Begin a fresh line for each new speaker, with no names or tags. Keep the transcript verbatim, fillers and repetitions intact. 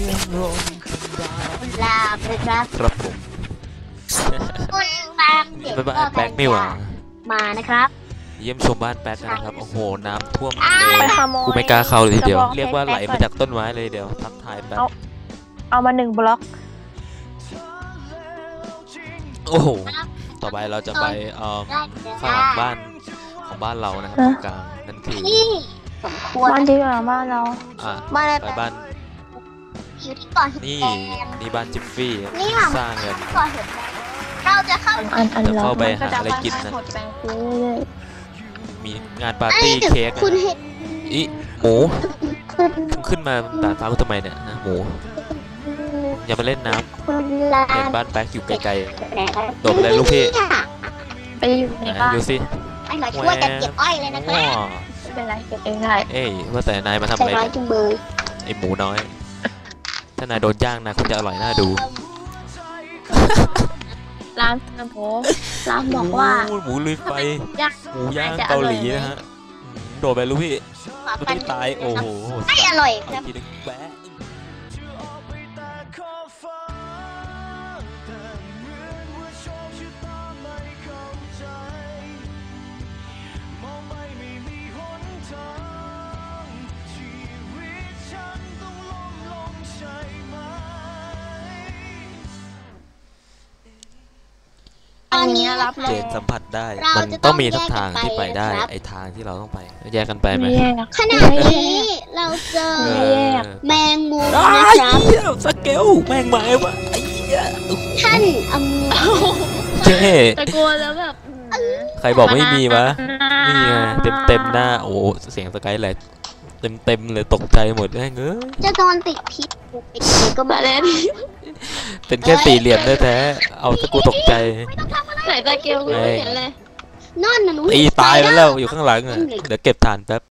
ลาบเลยครับ
ครับผม
คุณตามเด็ก
บ้านแป๊กนี่หว่า
มานะครับ
เยี่ยมชมบ้านแป๊กนะครับโอ้โหน้ำท่วม
อ้าว
เลย
ไปขโมย
กูไม่กล้าเข้าเลยทีเดียว
กระบอง
เรียกว่า
เพชร
ไหล
แป๊ก
มาจากต้นไม้เลยเดี๋ยวทักทายแป๊บ
เอา เอามาหนึ่งบล็อก
โอ้โหต่อไปเราจะไปเอ่อ
ได้เดี๋ยว
ข้างหลังบ้านของบ้านเรานะครับตรงกลางนั่นคือ
ที่สมควร
บ้านที่หลังบ้านเรา
อ่ะ
บ้านอะไร
ไปบ้าน
อยู่ที่ก่อนหิน
นี่
แดง
นี่บ้านจิฟฟี่
นี่ค่ะ
สร้างกัน
ที่ก่อนหินแดงเราจะเข้า
อันอัน
เดี๋ยว
เรา
เข้าไป
มันก็
หา
จะ
อะไรกินนะ
หดแปลงฟูเรื่อย
มีงานปาร์ตี้เค้กนะ
คุณเห็น
อีหมู
คุณ
มึงขึ้นมาดาดฟ้ากูทำไมเนี่ยนะหมูอย่ามาเล่นน้
คุณลา
ำเห็น
น
บ้านแป๊กอยู่ไกล
แหน
โดดไปเลยลูกพี่
ไปอยู่
ๆ
ใน
ไหน
บ้าน
ดูสิ
ไอ้หน่อยช่วยกันเก็บอ้อยเลยนะครั
ว้า
บ
ไม่เป็นไรเก็บเองได้
เอ้ยว่าแต่นายมาทำ
ใจ
อะไร
ร้อย
เนี่ย
จุงเบย
ไอหมูน้อย ถ้านายโดนย่างนะคงจะอร่อยน่าดู
ร้านนะโมร้านบอกว่า
โอ้ยหมูลุยไฟ
ย่าง
หมูย่าง
น่าจะ
เกาหลี
อร่อยไหม
นะฮะอืมโดดไปลูกพี่ลูกพี่ตายโอ้โห
ไม่อร่อยค
เอา
รับ
ทีนึงแวะ
ตอนนี้
รับเล
เจ
ย
นสัมผัสได้
เรา
มัน
จะต้
ต้อ
อง ง
มีสักทางที่ไปได้
แยกกันไปนะครับ
ไอทางที่เราต้องไปแยกกันไปไหม
ไม่แยก
ขณะนี้เราเจอ
เอ
ไม่แยก
อ
แมงมุม
อ้า
นะ
ย
ครับ
เหี้ยสเกลแม่งมาไอ้วะไอ้เหี้ย
ท่านอม
เจ๊
ตะโกนแล้วแบบ
ใครบอกไม่มีวะนี่ไงเต็มเต็มๆหน้าโอ้โหเสียงสกายแหละเต็มเต็มๆเลยตกใจหมดแม่งเอ้ย
จะโดนติดพิษติดเลยก็มาแล้ว
เป็นแค่สี่เหลี่ยมแท้ๆเอาสกูตกใจ
ไหนตะเกียบกูไม่เห็นเลย
นอนนะหนู
ตีตายไปแล้วอยู่ข้างหลังอ่ะเดี๋ยวเก็บฐานแป๊บ